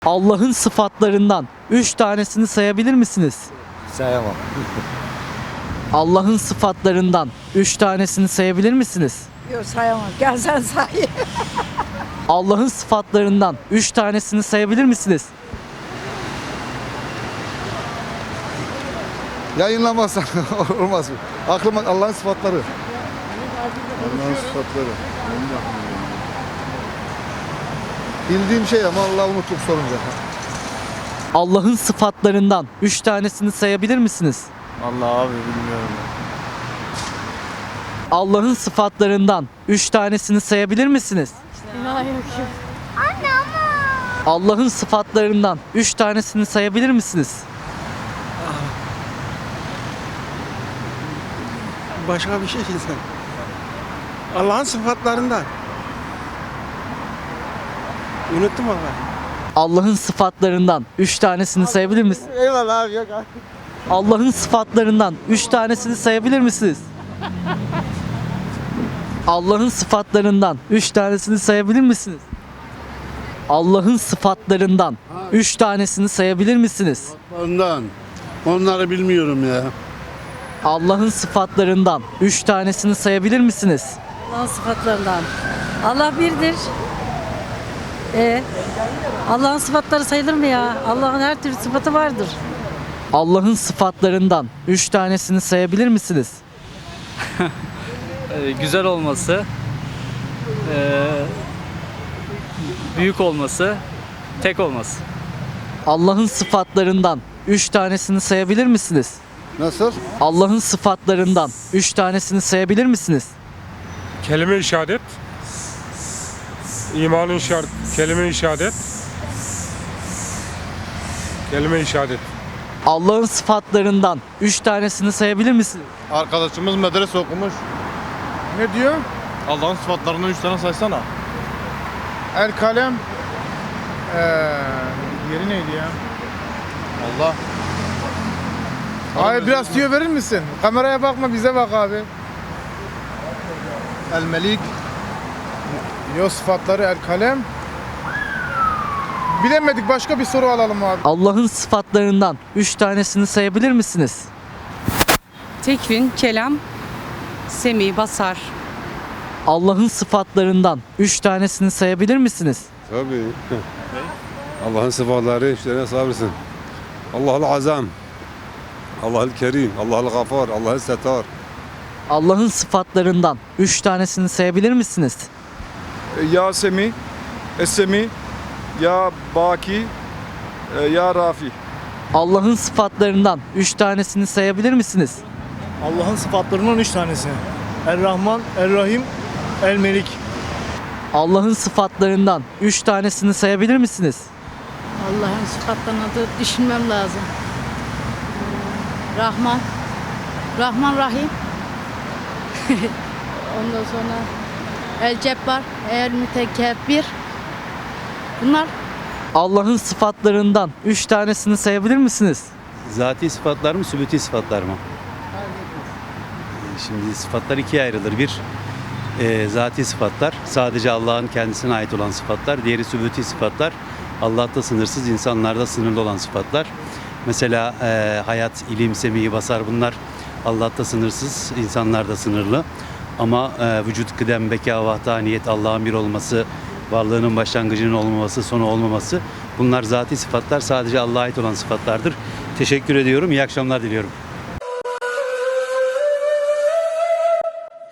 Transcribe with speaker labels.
Speaker 1: Allah'ın sıfatlarından 3 tanesini sayabilir misiniz?
Speaker 2: Sayamam.
Speaker 1: Allah'ın sıfatlarından 3 tanesini sayabilir misiniz?
Speaker 3: Yok sayamam. Gel sen say.
Speaker 1: Allah'ın sıfatlarından 3 tanesini sayabilir misiniz?
Speaker 2: Yayınlamazsan olmaz mı? Aklıma Allah'ın sıfatları. Allah'ın sıfatları. Bildiğim şey ama Allah'ı unuttuk sorunca.
Speaker 1: Allah'ın sıfatlarından 3 tanesini sayabilir misiniz?
Speaker 4: Allah abi bilmiyorum.
Speaker 1: Allah'ın sıfatlarından 3 tanesini sayabilir misiniz? Allah'ın sıfatlarından 3 tanesini sayabilir misiniz?
Speaker 5: Başka bir şey sen. Allah'ın sıfatlarından. Unuttum ama.
Speaker 1: Allah'ın sıfatlarından 3 tanesini sayabilir misiniz?
Speaker 5: Eyvallah abi yok abi.
Speaker 1: Allah'ın sıfatlarından 3 tanesini sayabilir misiniz? Allah'ın sıfatlarından 3 tanesini sayabilir misiniz? Allah'ın sıfatlarından 3 tanesini sayabilir misiniz?
Speaker 6: Onları bilmiyorum ya.
Speaker 1: Allah'ın sıfatlarından 3 tanesini sayabilir misiniz?
Speaker 3: Allah'ın sıfatlarından. Allah birdir. Allah'ın sıfatları sayılır mı ya? Allah'ın her türlü sıfatı vardır.
Speaker 1: Allah'ın sıfatlarından 3 tanesini sayabilir misiniz?
Speaker 7: Güzel olması, büyük olması, tek olması.
Speaker 1: Allah'ın sıfatlarından 3 tanesini sayabilir misiniz?
Speaker 2: Nasıl?
Speaker 1: Allah'ın sıfatlarından 3 tanesini sayabilir misiniz?
Speaker 8: Kelime-i şehadet, imanın şart, kelime-i şehadet, kelime-i şehadet.
Speaker 1: Allah'ın sıfatlarından 3 tanesini sayabilir misiniz?
Speaker 4: Arkadaşımız medrese okumuş.
Speaker 2: Ne diyor?
Speaker 4: Allah'ın sıfatlarından 3 tane saysana.
Speaker 2: El kalem. Yeri neydi ya?
Speaker 4: Allah.
Speaker 2: Abi biraz tüyo verir misin? Kameraya bakma bize bak abi.
Speaker 4: El melik.
Speaker 2: Yok sıfatları el kalem. Bilemedik başka bir soru alalım abi.
Speaker 1: Allah'ın sıfatlarından 3 tanesini sayabilir misiniz?
Speaker 9: Tekvin, kelam, semi, basar.
Speaker 1: Allah'ın sıfatlarından 3 tanesini sayabilir misiniz?
Speaker 6: Tabii. Allah'ın sıfatları işte sabırsın. Allah'ın azam. Allah'ın kerim. Allah'ın gafar. Allah'ın setar.
Speaker 1: Allah'ın sıfatlarından 3 tanesini sayabilir misiniz?
Speaker 10: Ya Semi, Esemi, Ya Baki, Ya Rafi.
Speaker 1: Allah'ın sıfatlarından 3 tanesini sayabilir misiniz?
Speaker 11: Allah'ın sıfatlarından 3 tanesi. Er-Rahman, Er-Rahim, El-Melik.
Speaker 1: Allah'ın sıfatlarından 3 tanesini sayabilir misiniz?
Speaker 3: Allah'ın sıfatlarını da düşünmem lazım. Rahman. Rahman Rahim. Ondan sonra El-Cebbar, El-Mütekebbir. Bunlar
Speaker 1: Allah'ın sıfatlarından 3 tanesini sayabilir misiniz?
Speaker 12: Zati sıfatlar mı, sübuti sıfatlar mı? Şimdi sıfatlar ikiye ayrılır. Bir, zati sıfatlar, sadece Allah'ın kendisine ait olan sıfatlar. Diğeri sübuti sıfatlar, Allah'ta sınırsız, insanlarda sınırlı olan sıfatlar. Mesela hayat, ilim, semi, basar bunlar Allah'ta sınırsız, insanlarda sınırlı. Ama vücut, kıdem, beka, vahdaniyet, Allah'ın bir olması, varlığının başlangıcının olmaması, sonu olmaması bunlar zati sıfatlar, sadece Allah'a ait olan sıfatlardır. Teşekkür ediyorum, iyi akşamlar diliyorum.